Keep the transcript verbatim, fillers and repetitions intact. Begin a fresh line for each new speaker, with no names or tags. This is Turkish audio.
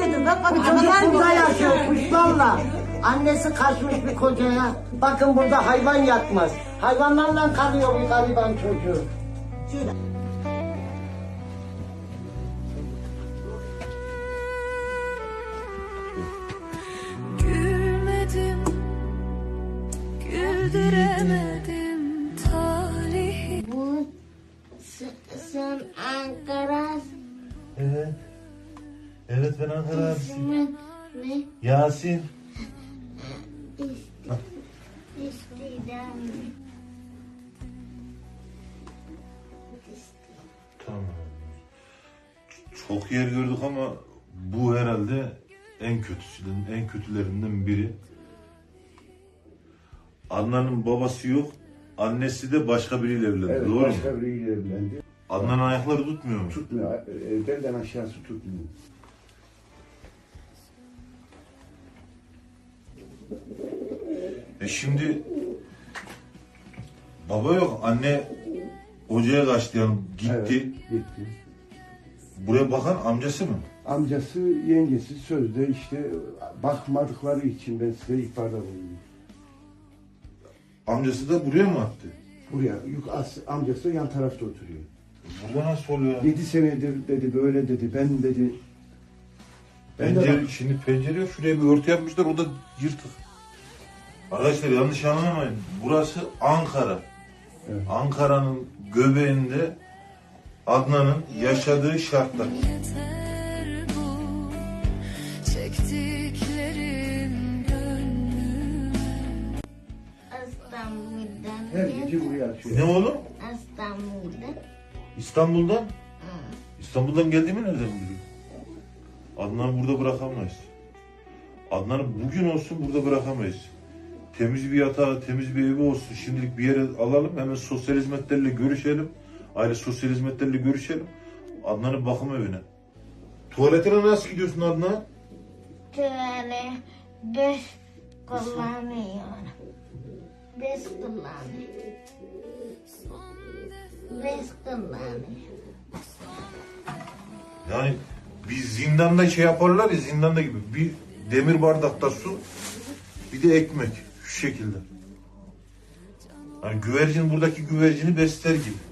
Dedim bak bak
Bu çocuk
analar
burada
gibi
yaşıyor
yaşıyor.
kuşlarla. Annesi kaçmış bir kocaya. Bakın burada hayvan yatmaz. Hayvanlarla kalıyor bu gariban çocuğu.
Şöyle.
Gülmedim, güldüremedim talihi.
Bu s- sen Ankara
Evet. Evet ben Ankara abisiyim.
ismin ne?
Yasin.
İstidam.
Tamam. Çok yer gördük ama bu herhalde en kötüsünün, en kötülerinden biri. Adnan'ın babası yok, annesi de başka biriyle evlendi.
Evet,
Doğru
başka
mu?
biriyle evlendi.
Adnan'ın ayakları tutmuyor mu?
Tutmuyor. e, Belden aşağısı tutmuyor.
E şimdi baba yok, anne hocaya kaçtı yani gitti.
Evet, gitti.
Buraya bakan amcası mı?
Amcası, yengesi sözde işte bakmadıkları için ben size ihbarda bulundum.
Amcası da buraya mı attı?
Buraya, yük, as, amcası yan tarafta oturuyor.
Burada nasıl oluyor?
Yedi senedir dedi, böyle dedi, ben dedi. Ben de
Pencere, şimdi pencere yok. Şuraya bir örtü yapmışlar. O da yırtık. Arkadaşlar yanlış anlamayın. Burası Ankara.
Evet.
Ankara'nın göbeğinde Adnan'ın yaşadığı şartlar.
Yeter bu çektiklerim gönlüme.
İstanbul'dan
her
geldim.
gece buraya açıyor.
Ne oğlum?
İstanbul'dan.
İstanbul'dan?
Hı.
İstanbul'dan geldiğimi nereden biliyor? Adnan'ı burada bırakamayız. Adnan'ı bugün olsun burada bırakamayız. Temiz bir yatağı, temiz bir evi olsun. Şimdilik bir yere alalım. Hemen sosyal hizmetlerle görüşelim. Aile sosyal hizmetlerle görüşelim. Adnan'ın bakım evine. Tuvaletine nasıl gidiyorsun Adnan?
Şöyle beş kullanıyorum. Beş kullanıyorum. Beş kullanıyorum.
Yani bir zindanda şey yaparlar ya, zindanda gibi. Bir demir bardakta su, bir de ekmek. Şu şekilde. Yani güvercin buradaki güvercini besler gibi.